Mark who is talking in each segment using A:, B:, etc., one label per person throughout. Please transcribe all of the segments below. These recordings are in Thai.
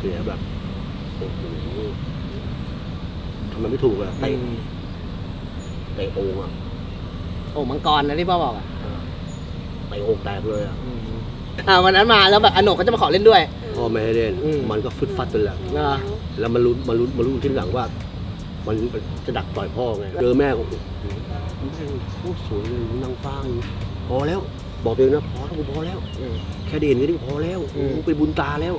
A: สียแบบโอ้โหทำไมไม่ถูกอะเตะโอ่งอะ
B: โอ่งมังกรนะที่พ่อบอกอะ
A: เตะโอ่งแตกเลยอะ
B: วันนั้นมาแล้วแบบอโนกเขาจะมาขอเล่นด้วย
A: พ่อไม่ให้เล่นมันก็ฟึดฟัดไปแล้วแล้วมันรู้ที่หลังว่ามันจะดักต่อยพ่อไงเจอแม่ก็โอ้สวยเลยนางฟ้าพอแล้วบอกเองนะพอแล้วแค่ได้เห็นก็พอแล้วเป็นบุญตาแล้ว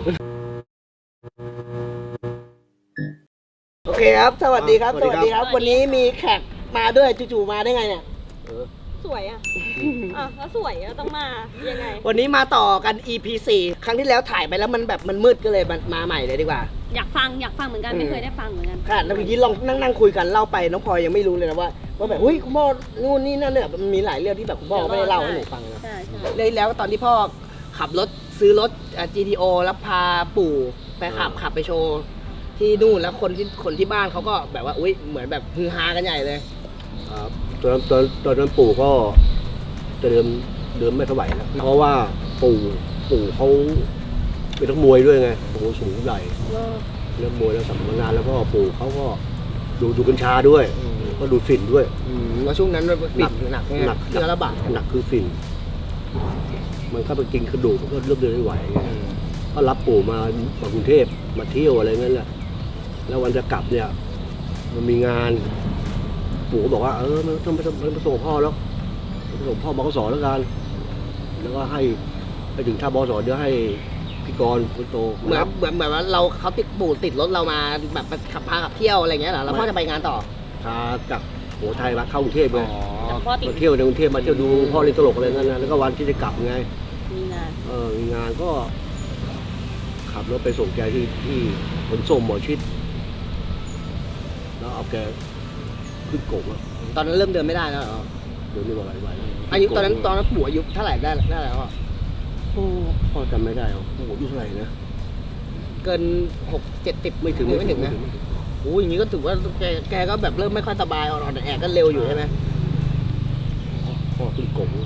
B: โอเคครับสวัสดีครับวันนี้มีแขกมาด้วยจู่ๆมาได้ไงเนี่ย
C: สวยอ่ะแล้วสวยอ่ะต้องมายังไง
B: วันนี้มาต่อกัน EP 4ครั้งที่แล้วถ่ายไปแล้วมันแบบมันมืดก็เลยมาใหม่เลยดีกว่า
C: อยากฟังเหมือนกันไม่เคยได้ฟังเหมือนกัน
B: ค่ะแล้วเมื่อกี้ลองนั่งคุยกันเล่าไปน้องพลอยยังไม่รู้เลยนะว่าแบบเฮ้ยคุณพ่อนู่นนี่นั่นเนี่ยมันมีหลายเรื่องที่แบบคุณพ่อไม่ได้เล่าให้หนูฟังนะเลยแล้วตอนที่พ่อขับรถซื้อรถ GTO แล้วพาปู่ไปขับไปโชว์ที่นู่นแล้วคนที่บ้านเขาก็แบบว่าอุ้ยเหมือนแบบฮือฮากันใหญ่เลย
A: ครับตอนนั้นปู่ก็จะเดินไม่ไหวแล้วเพราะว่าปู่เขาเป็นนักมวยด้วยไงโอ้โหสูงใหญ่เล่นมวยแล้วสัมมานานแล้วก็ปู่เขาก็ดูกัญชาด้วยก็ดูฝิ่นด้วย
B: แล้วช่วงนั้นฝิ่นหนักเชื้อระบาด
A: หนักคือฝิ่นมันก็ไปกินกระดูกมันก็เริ่มเดินไม่ไหวก็รับปู่มากรุงเทพมาเที่ยวอะไรงั้นแหละแล้ววันจะกลับเนี่ยมันมีงานปู่ก็บอกว่ามันต้องไปส่งพ่อแล้วไปส่งพ่อบกสแล้วกันแล้วก็ให้ไปถึงท่าบกสเดี๋ยวให้พี่กรณ์คนโต
B: เหมือนว่าเขาปู่ติดรถเรามาแบบพาขับเที่ยวอะไรเงี้ยเหรอแล้วพ่อจะไปงานต่อ
A: พาจากโหไทยมาเข้ากรุงเทพเลยมาเที่ยวในกรุงเทพมาเที่ยวดูพ่อเล่นตลกอะไรงั้นนะแล้วก็วันที่จะกลับไงมีงานก็ขับรถไปส่งแกที่ขนส่งหมอชิดแล้วเอาแกขึ้นกบแล้ว
B: ตอนนั้นเริ่มเดินไม่ได้แล้วเหรอ
A: เดินไม่ไหว
B: อายุตอนนั้นปู่อายุเท่าไหร่ได้แล้วอ่ะ
A: พ่อจำไม่ได้ปู่อายุเท่าไหร่นะ
B: เกิน60-70ไม่ถึงนะโอ้ยอย่างนี้ก็ถือว่าแกก็แบบเริ่มไม่ค่อยสบายอ่อนแอก็เร็วอยู่ใช่ไหม
A: พ่อขึ้นกบ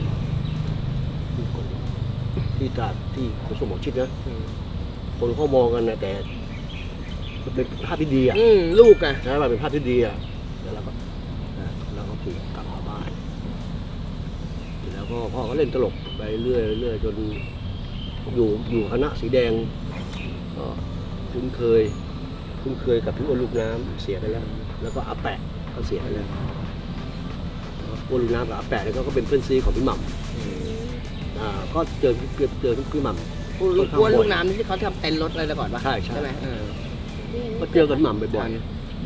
A: ที่ตราดที่ขนส่งหมอชิดนะคนเขามองกันนะแต่มันเป็นภาพที่ดีอ่ะ
B: ลูกอ่ะ
A: ใช่ป่ะเป็นภาพที่ดีอ่ะแล้วเราก็ถูกกลับมาบ้านแล้วก็พ่อก็เล่นตลกไปเรื่อยจนอยู่คณะสีแดงก็คุ้นเคยกับพี่อ้วนลูกน้ำเสียไปแล้วก็อาแปะเขาเสียไปแล้วอ้วนลูกน้ำกับอาแปะเนี่ยก็เป็นเพื่อนซีของพี่หม่ำก็เจอพี่หม่ำ
B: อ้วนลูกน้ำที่เขาทำเต็นรถอะไรก่อนป่ะ
A: ใช่
B: ไหม
A: ก็เจอกันหม่ำบ่อย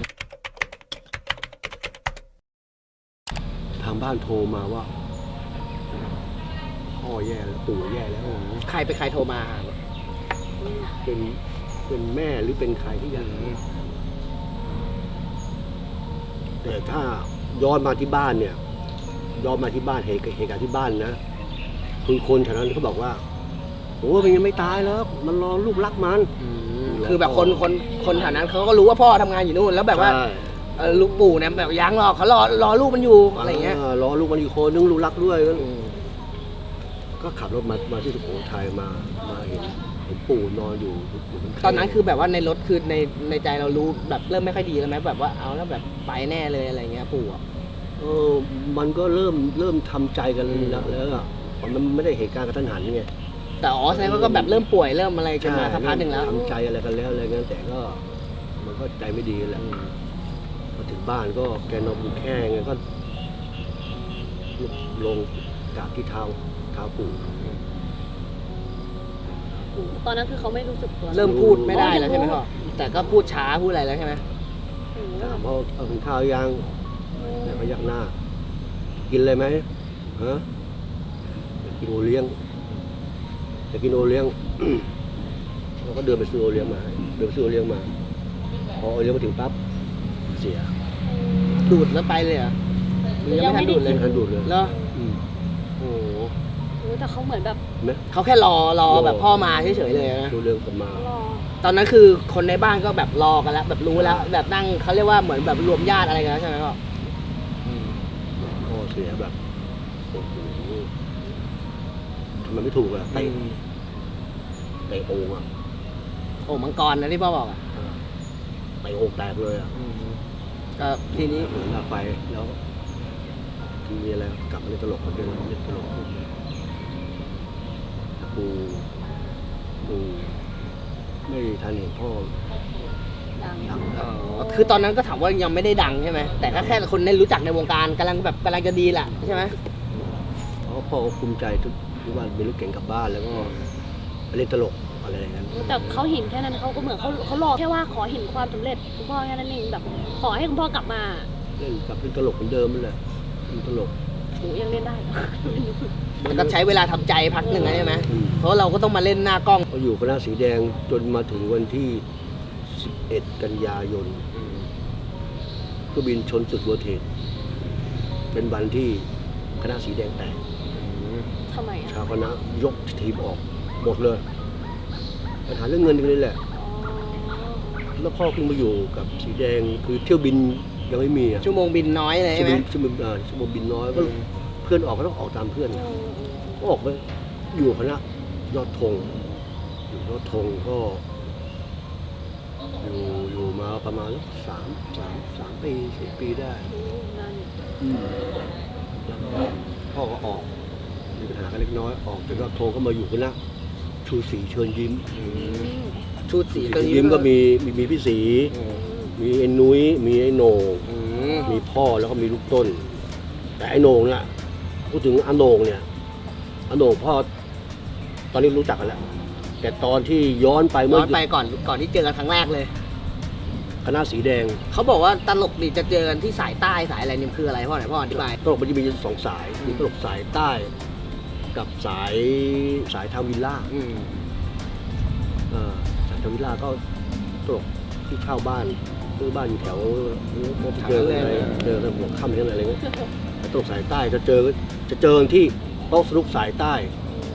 A: ๆทางบ้านโทรมาว่าพ่อแย่แล้วปู่แย่แล้ว
B: ใครโทรมา
A: เป็นแม่หรือเป็นใครที่อย่างนี้แต่ถ้าย้อนมาที่บ้านเนี่ยเหตุการณ์ที่บ้านนะคือคนแถวนั้นเขาบอกว่าโอ้มันยังไม่ตายแล้วมันรอลูกรักมัน
B: คือแบบคนแถวนั้นเขาก็รู้ว่าพ่อทำงานอยู่นู่นแล้วแบบว่าลูกปู่เนี่ยแบบยังหรอกเขารอลูกมันอยู่อะไรเงี้ย
A: รอลูกมันอีกคนนึงลูกรักด้วยก็ขับรถมาที่สุโขทัยมาเห็นปู่นอนอยู่
B: ตอนนั้นคือแบบว่าในรถคือในใจเรารู้แบบเริ่มไม่ค่อยดีแล้วไหมแบบว่าเอาแล้วแบบไปแน่เลยอะไรเงี้ยปู่
A: มันก็เริ่มทำใจกันแล้วอ่ะมันไม่ได้เหตุการณ์กระทันหันไง
B: แต่แสดงว่าก็แบบเริ่มป่วยเริ่มอะไรกันมาสักพักหนึ่งแล้ว
A: ทำใจอะไรกันแล้วอะไรเงี้ยแต่ก็มันก็ใจไม่ดีแหละพอถึงบ้านก็แกนอนอยู่แค่ไงก็ลงจากที่เท้าปู่
C: ตอนนั้นคือเขาไม่รู้สึกตัว
B: เริ่มพูดไม่ได้แล้วใช่ไหมพ่อแต่ก็พูดช้าพูดอะไรแล้วใช่ไหม
A: ถามว่าเอาถึงข้าวยังแต่ก็ยักหน้ากินอะไรไหมฮะกินโอเลี้ยงเราก็เดินไปซื้อโอเลี้ยงมาพอโอเลี้ยงมาถึงปั๊บเสีย
B: ดูดแล้วไปเลยอ่ะยังไม่ทันดูดเลยแล้ว
C: โอ้แต่เขาเหมือนแบบ
B: เขาแค่รอแบบพ่อมาเฉยๆเลยนะ
A: ดูเรื่องกันมา
B: ตอนนั้นคือคนในบ้านก็แบบรอกันแล้วแบบรู้แล้วแบบนั่งเขาเรียกว่าเหมือนแบบรวมญาติอะไรกันใช่ไหมพ่อ
A: เสียแบบโอ้โหทำไมไม่ถูกอะเตะโอ่งอะ
B: โอ่งมังกรนะที่พ่อบอกอ่ะ
A: ไปโอ่งแตกเลยอ่ะ
B: ก็ทีนี้
A: เหมือนหน้าไฟแล้วมีอะไรกลับมาเล่นตลกมาเดินเล่นตลกกูไม่ทันเห็นพ่อ
C: ดัง
A: ดังแล้ว
B: คือตอนนั้นก็ถามว่ายังไม่ได้ดังใช่ไหมแต่ก็แค่คนได้รู้จักในวงการกำลังจะดีแหละใช่ไหม
A: เพราะพ่อก็ภูมิใจทุกวันเป็นลูกเก่งกลับบ้านแล้วก็ไปเล่นตลกอะไรอย่างนั้น
C: แต่เขาเห็นแค่นั้นเขาก็เหมือนเขารอแค่ว่าขอเห็นความสำเร็จคุณพ่อแค่นั้นเองแบบ ขอให้คุณพ่อกลับมา
A: เล่นตลกเหมือนเดิมนั่นแหละเล่นตลก
C: หนูยังเล่นได้เหรอ
B: มันก็ใช้เวลาทำใจพักหนึ่งนะใช่ไหม
A: อืม
B: เพราะเราก็ต้องมาเล่นหน้ากล้อง
A: ก็อยู่คณะสีแดงจนมาถึงวันที่ 11 กันยายนก็บินชนจุดเวอร์เทนเป็นวันที่คณะสีแดงแตก
C: ทำไมอ่ะ
A: ชาวคณะยกทีมออกหมดเลยปัญหาเรื่องเงินกันเลยแหละ
C: อ๋อ
A: แล้วพ่อเพิ่งมาอยู่กับสีแดงคือเที่ยวบินยังไม่มีอะ
B: ชั่วโมงบินน้อยเลย
A: ชั่
B: ใช่
A: ว
B: ไห
A: โม
B: ม
A: งชั่วโมงบินน้อยก็เพื่อนออกก็ต้องออกตามเพื่อนก็ออกไปอยู่คณะยอดธงอยู่ยอดธงก็อยู่มาประมาณ3 ปี 4 ปีได้
C: นั่น
A: แล้วก็พ่อก็ออกมีปัญหากันเล็กน้อยออกจากยอดธงก็มาอยู่คณะชูศรีเชิญยิ้ม
B: ชุดสี
A: เชิญยิ้มก็มีพี่ศรีมีไอ้นุ้ยมีไอ้โหน่งมีพ่อแล้วก็มีลูกต้น แต่ไอ้โหน่งเนี่ยพูดถึงอาโหน่งเนี่ยอาโหน่งพ่อตอนนี้รู้จักกันแล้ว แต่ตอนที่ย้อนไป
B: ย้
A: เมื่
B: อนไปก่อนที่เจอกันครั้งแรกเลย
A: คณะสีแดง
B: เขาบอกว่าตลกดีจะเจอกันที่สายใต้สายอะไรนี่คืออะไรพ่อไหนพ่ออธิบาย
A: ตลกมันจะมี2 สายมีตลกสายใต้ กับสายทางวิลล่าสายทางวิลล่าก็ตลกที่เช่าบ้านซื้อบ้านอยู่แถวเจอกันหัวค่ำอะไรเงี้ยแต่ตลกสายใต้จะเจอกันที่โต๊ะสนุกสายใต้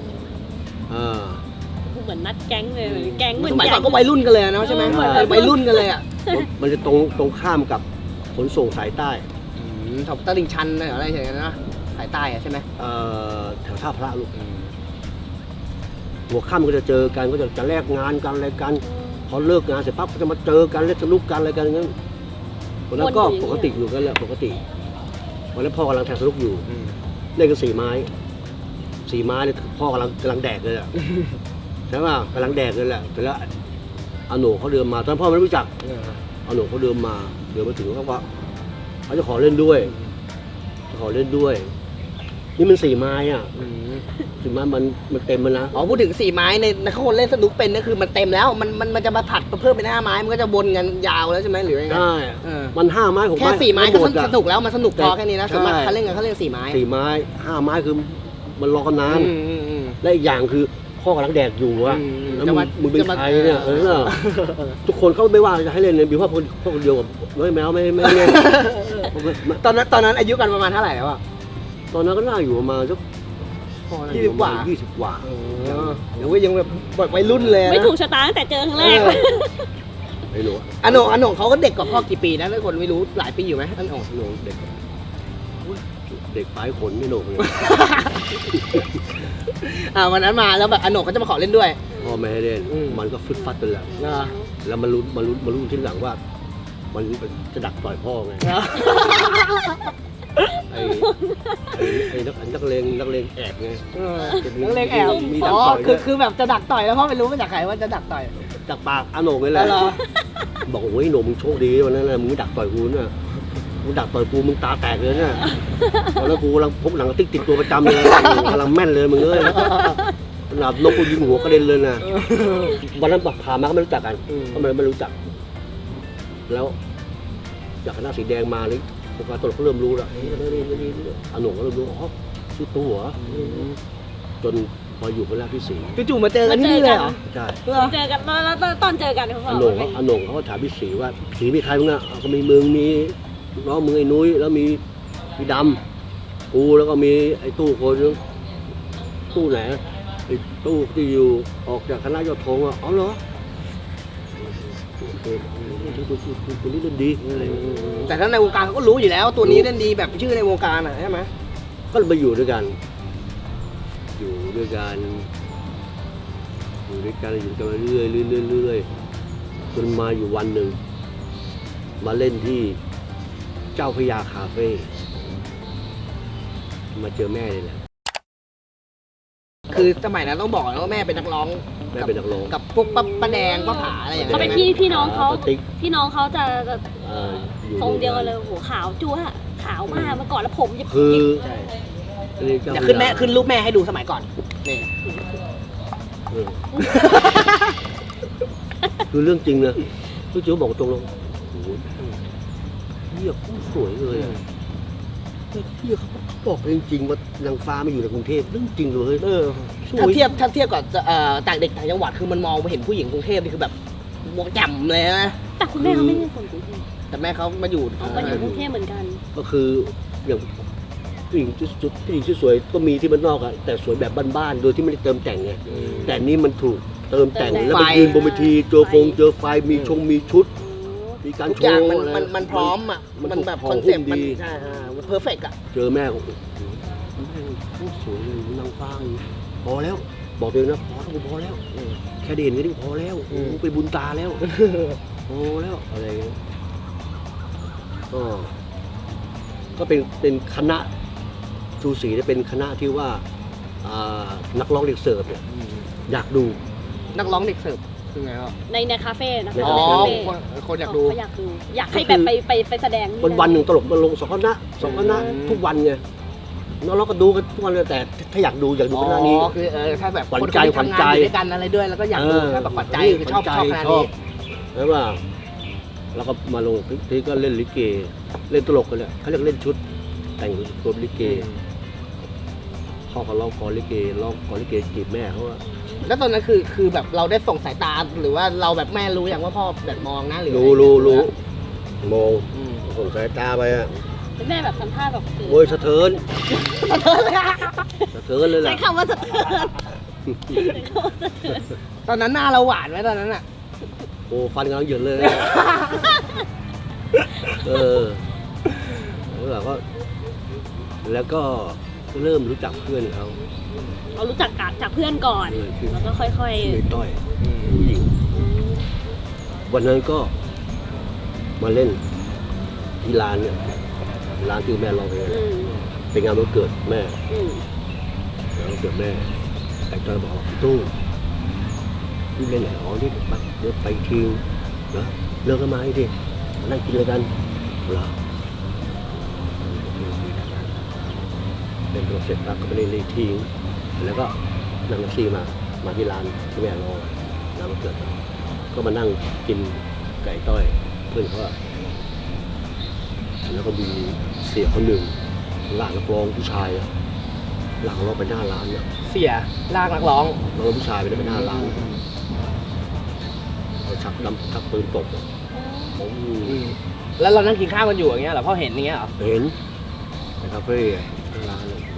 C: เหมือนนัดแก๊งเลยแก๊งเหมือน
B: สมัย
C: แก๊
B: ก่อง นก็วัยรุ่นกันเลยนะใช่ไหม
A: ใช่
B: วัยรุ่นกันเลยอ่ะ
A: มันจะตรงข้ามกับขนส่งสายใต้
B: แถวตลิ่งชันอะไรอย่างเงี้ยนะสายใต้อะใช่ไหม
A: แถวท่าพระลูกหัวค่ำก็จะเจอกันก็จะแลกงานกันอะไรกันพอเลิกงานเสร็จปั๊บก็จะมาเจอกันเล่นสนุกกันอะไรกันงั้นวันนั้นก็ปกติอยู่กันแหละปกติวันนั้นพ่อกำลังแทงสนุกอยู่เล่นกัน4 ไม้เนี่ยพ่อกำลังแดกเลยอ่ะ ใช่ป่ะกำลังแดกเลยแหละแต่แล้วอาโหน่เขาเดินมาตอนพ่อไม่รู้จักอาโหน่เขาเดินมาถึงเขาว่าเขาจะขอเล่นด้วยนี่มัน4 ไม้อ่ะ4 ไม้มันเต็มแล้วนะ
B: อ๋อพูดถึง4 ไม้ในเขาคนเล่นสนุกเป็นก็คือมันเต็มแล้วมันจะมาผัดเพิ่มเป็น5 ไม้มันก็จะวนกันยาวแล้วใช่ไหมหรือยังไง
A: ใช่มัน5 ไม้6
B: แค่
A: ไม้
B: 4 ไม้ก็
A: หมดอะ
B: สนุกแล้วมันสนุกพอแค่นี้นะ
A: ใช่
B: สมมติเขาเล่นกันเขาเล่น4 ไม้
A: 4 ไม้5 ไม้คือมันรอกันนานและอีกอย่างคือพ่อกำลังแดกอยู่อะแล้วมึงเป็นใครเนี่ยทุกคนเขาไม่ว่าจะให้เล่นเลยบิวว่าพวกคนเดียวกับน้อยแมวไม่เล่น
B: ตอนนั้นอายุกันประมาณเท่าไหร่แล้วอ่ะ
A: ตอนนั้นก็น่าอยู่ประมาณสัก
B: 20 กว่า
A: 20 กว่า
B: เดี๋ยวยังแบบวัยรุ่นเลยนะ
C: ไม่ถูกชะตาตั้งแต่เจอครั้งแรก
A: ไม่รู้
B: อันโหน่งเขาก็เด็กกว่าพ่อกี่ปีนะถ้าคนไม่รู้หลายปีอยู่ไหมอันโหน่ง
A: หนูเด็กปลายขนไม่หนกเลย
B: วันนั้นมาแล้วแบบอันโหน่งเขาจะมาขอเล่นด้วย
A: พ่อไม่ให้เล่นมันก็ฟึดฟัดไปแล้วแล้วมันรู้ที่หลังว่า มันจะดักต่อยพ่อไงไอ้นักเลงแอบไง
B: นักเลงแอบ
A: มีดั
B: อ๋
A: ก
B: อ
A: ต่อยด้วย
B: คือแบบจะดักต่อยแล้วพ่อไม่รู้มาจากใครว่าจะดักต่อย
A: จากปากอาโหน่งนี่แหละ
B: เหรอ
A: บอกโอ้ยโหน่งมึงโชคดีวันนั้นนะมึงไม่ดักต่อยกูน่ะมึงดักต่อยกูมึงตาแตกเลยน่ะตอนนั้นกูกำลังพกหนังติ๊กติดตัวประจำเลยกำลังแม่นเลยมึงเอ้ยขนาดนกกูยิงหัวกระเด็นเลยนะวันนั้นพามาก็ไม่รู้จักกันก็ไม่รู้จัก แล้วจากคณะสีแดงมาเลยพวกการตลกก็เริ่มรู้แล้วนี่อาโหน่งก็เริ่มรู้อ๋อชื่อตัวจนพออยู่คณะที่4
B: จู่ๆมาเจอกันที่นี่เลยเหรอ
A: ใช่
C: เจอกันแล้วตอนเจอกันเขาบ
A: อา
C: อก
A: โหน่งเขาก็ถามพี่ศรีว่าศรีมีใครบ้างอ่ะก็มีมึงมีน้องมึงไอ้นุ้ยแล้วมีพี่ดำกูแล้วก็มีไอ้ตู้คนนึงตู้ไหนไอ้ตู้ที่อยู่ออกจากคณะยอดธงอ่ะอ๋อเหรอตัวนี้เล่นดีอะไร
B: แต่ถ้าในวงการเขาก็รู้อยู่แล้วตัวนี้เล่นดีแบบชื่อในวงการอ่ะใช่ไหม
A: ก็เลยมาอยู่ด้วยกันอยู่ด้วยกันเรื่อยจนมาอยู่วันหนึ่งมาเล่นที่เจ้าพระยาคาเฟ่มาเจอแม่เลยแหละ
B: คือสมัยนั้นต้องบอกนะว่าแม่เป็นนักร้อง
A: แม่เป็นนักร้อง
B: กับพวกป้าแดงป้าผาอะไรอย่าง
C: เขา
B: เงี้ย
C: เป็น
B: ใช่ไหม
C: พี่น้องเขา
A: ป้าติ๊ก
C: พี่น้องเขาจะ
A: อยู่
C: ทรงเดียวกันเลยโหขาวจั๊วะขาวมากเมื่อก่อนแล้วผมจะ
A: คือ
B: ใช่
A: เจ้า
B: เดี๋ยว
A: พระ
B: ขึ้นแม่
A: ยา
B: ขึ้นรูปแม่ให้ดูสมัยก่อนนี่
A: เออคือเรื่องจริงนะพี่จิ๋วบอกตรงๆโอ้โหเฮียโคตรสวยเลยอะเฮียเขาบอกจริงๆว่านางฟ้ามาอยู่ในกรุงเทพเรื่องจริงเลยสวย
B: ถ้าเทียบกับต่างเด็กต่างจังหวัดคือมันมองไปเห็นผู้หญิงกรุงเทพนี่คือแบบมองแจ่มเลยนะ
C: แต่คุณแม่เขาไม่ใช่คนกรุงเทพ
B: แต่แม่เขามาอยู่
C: เขาก็อยู่กรุงเทพเหมือนกัน
A: ก็คืออย่างผู้หญิงที่สวยก็มีที่บ้านนอกอะแต่สวยแบบบ้านๆโดยที่ไม่ได้เติมแต่งไงแต่นี่มันถูกเติมแต่งแล้วไปยืนบนเวทีเจอไฟมีชุดมีการ
B: ทุก
A: โช
B: อย่าง
A: ว์
B: มันพร้อมอ่ะ
A: มัน
B: มันแบบ
A: ถูก
B: คอนเซ็ปต์
A: ห่อหุ้
B: มัน
A: มดี
B: ใช่มันเพอร์เฟกต์อ่ะ
A: เจอแม่ก็โอ้โหแม่พูดสวยเลยนางฟ้าอย่างนี้พอแล้ว บอกตัวเองนะพอแล้วแค่ได้เห็นก็นี่พอแล้วโอ้โหไปบุญตาแล้วพอแล้วอะไรอย่างเงี้ยก็เป็นคณะชูศรีเนี่ยเป็นคณะที่ว่านักร้องเด็กเสิร์ฟเนี่ยอยากดู
B: นักร้องเด็กเสิร์ฟคือไงครับ
C: ในคาเฟ่นะ
A: ใน
C: คะ
B: อ๋อ
C: ในคาเฟ่
B: คนอยากดู
C: เขาอยากดู อยากให้แบบไปแสดง
A: วันหนึ่งตลกมาลงสองคณะทุกวันไงน้องๆก็ดูกันทุกวันเลยแต่ถ้าอยากดูคณะนี้
B: อ๋อคือถ้าแบบ
A: ขวัญ
B: คน
A: ใจ
B: ที่ทำงานอยู่ด้วยกันอะไรด้วยแล้วก็อยากดูถ้าแบบขวัญใจคือชอบคณะนี้
A: แล้วว่าแล้วก็มาลงทีก็เล่นลิเกเล่นตลกกันเลยเขาเรียกเล่นชุด แต่งตัวลิเกพ่อเขาร้องกลอนลิเกจีบแม่เขาว่า
B: แล้วตอนนั้นคือแบบเราได้ส่งสายตาหรือว่าเราแบบแม่รู้อย่างว่าพ่อแบบมองนะหรือ
A: รู้มอง
B: อืม
A: ส่งสายตาไปอ่ะ
C: แม่แบบทำท่าแบบคือ
A: โอ้ยสะเทินเลย
C: ใช้
A: ล่ะ
C: คำว่าสะเทือน
B: ตอนนั้นหน้าเราหวานไหมตอนนั้นอ่ะ
A: โอ้ฟันกำลังเหยินเลย แล้วก็เริ่มรู้จักเพื่อนเขา
C: เรารู้จักจากเพื่อนก่อน แล้วก็ค่อย
A: ในต้อยผู้หญิงวันนั้นก็มาเล่นที่ร้านเนี่ยร้านที่แม่ร้องเพลง
C: ๆ
A: เป็นงานวันเกิดแม่
C: อืม
A: งานวันเกิดแม่ไอ้ต้อยบอกว่าพี่ตู้พี่เล่นไหนอ๋อนี่เดี๋ยวไปทิ้งนะเลิกกันมาให้ดิมานั่งกินอะไรกันเหรอเล่นเสร็จปั๊บก็ไปเล่นเลยทิ้งแล้วก็นั่งแท็กซี่มาที่ร้านที่แม่รอร้านวันเกิดก็มานั่งกินไก่ต้อยเพื่อนเขาแล้วก็มีเสียคนหนึ่งหลานนักร้องผู้ชายหลังเราไปหน้าร้านเนี่ย
B: เสียลากนักร้อง
A: เราผู้ชายไปหน้าร้านเขาชักปืนตบผม
B: แล้วเรานั่งกินข้าวกันอยู่อย่างเงี้ยเหรอพ่อเห็นอย่างเงี้ยเหรอ
A: เห็นในคาเฟ่หน้าร้านเลย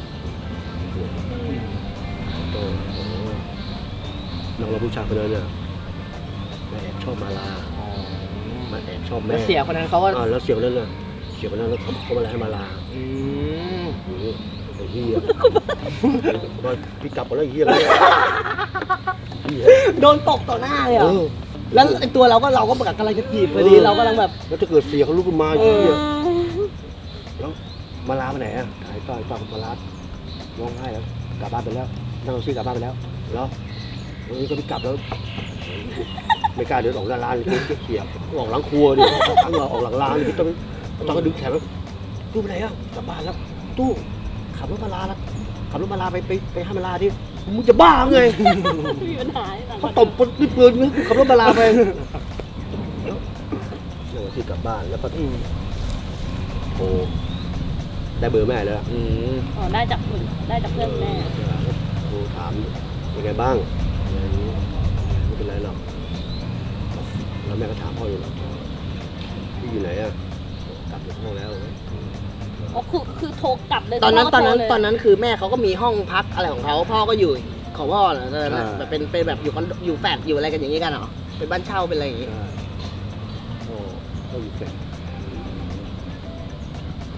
A: น้องเราผู้ชายคนนั้นเนี่ยมาแอบชอบมาลามาแอบชอบแม่
B: แล้วเสียคนนั้นเขาก็
A: แล้วเสียคนนั้นน่ะเสียคนนั้นเขามาให้มาลา
B: อืม
A: ไอ้เหี้ยมาพี่กลับมาแล้วไอ้เหี้ยเหี้ย
B: โดนตกต่อหน้าเลยเหรอแล้วไอ้ตัวเราก็กำลังจะจีบพอดีเรากำลังแบบ
A: แล้วจะเกิดเสียเขาลุกขึ้นมาไอ้เหี้ยแล้วมาลาไปไหนอ่ะหายต่อยมาลาร้องไห้แล้วกลับบ้านไปแล้วนั่งรถซี่กลับบ้านไปแล้วแล้ววันนี้ก็พี่กลับแล้วไม่กล้าเดินออกหน้าร้านเลยเสียออกหลังครัวดิทั้งเราออกหลังร้านพี่ต้องก็ดึงแขนแล้วตู้ไปไหนอ่ะกลับบ้านแล้วตู้ขับรถมาลาแล้วขับรถมาลาไปให้มาลาดิมึงจะบ้าไง
C: มีปัญหา
A: เขาตบปืนขับรถมาลาไปแล้วที่กลับบ้านแล้วก็โอ้ได้เบอร์แม่แล้ว
C: อ๋อได้จากเพื่อนแม่
A: โทรถามเป็นไงบ้างอะไรอย่างนี้ไม่เป็นไรหรอกแล้วแม่ก็ถามพ่ออยู่หรอกพี่อยู่ไหนอ่ะกลับจากห้องแล้ว
C: อ๋อคือโทรกลับเลย
B: ตอนนั้น
C: พ่โทรเลย
B: คือแม่เขาก็มีห้องพักอะไรของเขาพ่อก็อยู่ของพ่อเหรอตอนนั้นแบบเป็นแบบอยู่คอนโดอยู่แฟลตอยู่อะไรกันอย่างนี้กันเหรอเป็นบ้านเช่าเป็นอะไรอย่างนี้
A: ก็อยู่เสร็จ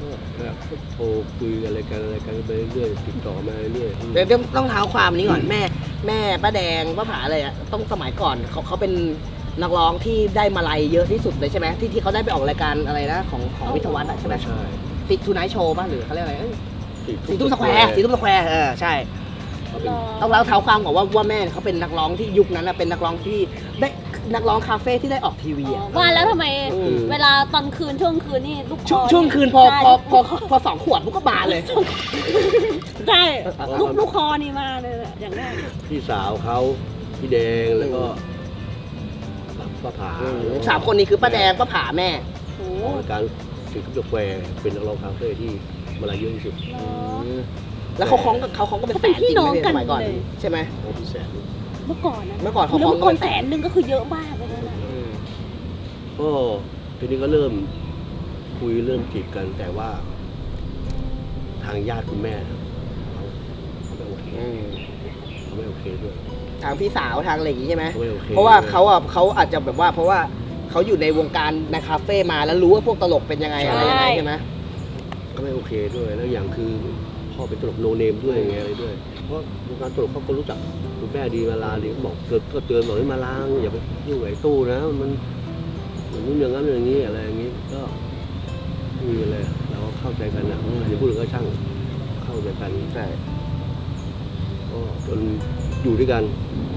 A: ก็โทรคุยอะไรกันไปเรื่อยติดต่อมาเรื่อย
B: เดี๋ยวต้องเท้าความนี้ก่อนแม่ป้าแดงป้าผาอะไรอ่ะต้องสมัยก่อนเขาเป็นนักร้องที่ได้มาลัยเยอะที่สุดเลยใช่ไหมที่เขาได้ไปออกรายการอะไรนะของวิทยาวัฒน์อะใช่ไหม
A: ใช่
B: ติดทูไนท์โชว์ป่ะหรือเขาเรียกอะไรสี
A: สี่
B: ทุ่มสแควร์ใช่
A: เขาเป็น
B: ต้องเล่าเท้าความก่อนว่าแม่เขาเป็นนักร้องที่ยุคนั้นนะเป็นนักร้องที่ได้นักร้องคาเฟ่ที่ได้ออกทีวีอ่ะ
C: ว่าแล้วทำไม
B: อืม
C: เวลาตอนคืนช่วงคืนนี่ลูกคอ
B: ช่วงคืนพอ2 ขวดปุ๊บก็บานเลย
C: ใช่ลูกคอนี่มาเลยอะอย่างแรก
A: พี่สาวเขาพี่แดงแล้วก็ป้าผา
B: 3 คนนี้คือป้าแดงป้าผาแม่
C: โอ้
A: ออกรายการสิงคโปร์แควร์เป็นนักร้องคาเฟ่ที่มาลายเยอะที่สุด
C: เนอะ
B: แล้วเขาคล้องก็เป็น
C: เขาเป็นพี่น้องกัน
B: สมัยก่อน
C: เลย
B: ใช่ไหม
A: ของพี่แสน
C: เมื่อก่อนนะ
B: เมื่อก่อนเขา
C: แล้ว
B: ฟ้อง
C: เมื่อก่อน
B: กัน
C: แสนหนึ่งก็คือเยอะมากเลยนะ
A: ก็ทีนี้ก็เริ่มคุยเริ่มจีบกัน แต่ว่า ทางญาติคุณแม่เขาไม่โอเคเขาไม่โอเคด้วย
B: ทางพี่สาวทางอะไรอย่างงี้ใช่ไหม
A: เขาไม่โอเค
B: เพราะว่าเขาอาจจะแบบว่าเพราะว่าเขาอยู่ในวงการในคาเฟ่มาแล้วรู้ว่าพวกตลกเป็นยังไงอะไรยังไงใช่ไหม
A: เขาไม่โอเคด้วยแล้วอย่างคือพ่อเป็นตลกโนเนมด้วยไงอะไรด้วย เพราะวงการตลกเขาก็รู้จักคุณแม่ดีมาลาดีก็บอกก็เตือนบอกให้มาล้างอย่าไปยุ่งกับไอ้ตู้นะมันนู่นอย่างนั้นอย่างนี้อะไรอย่างนี้ก็ไม่มีอะไรเราก็เข้าใจกันนะอย่าพูดถึงก็ช่างเข้าใจกัน
B: ใช่
A: ก็จนอยู่ด้วยกัน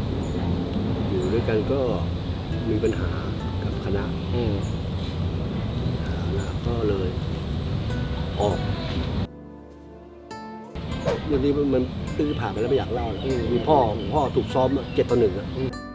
A: ก็มีปัญหากับคณะก็เลยออกวันนี้มันเพิ่งผ่านไปแล้วไม่อยากเล่าแล้วมีพ่อถูกซ้อม7-1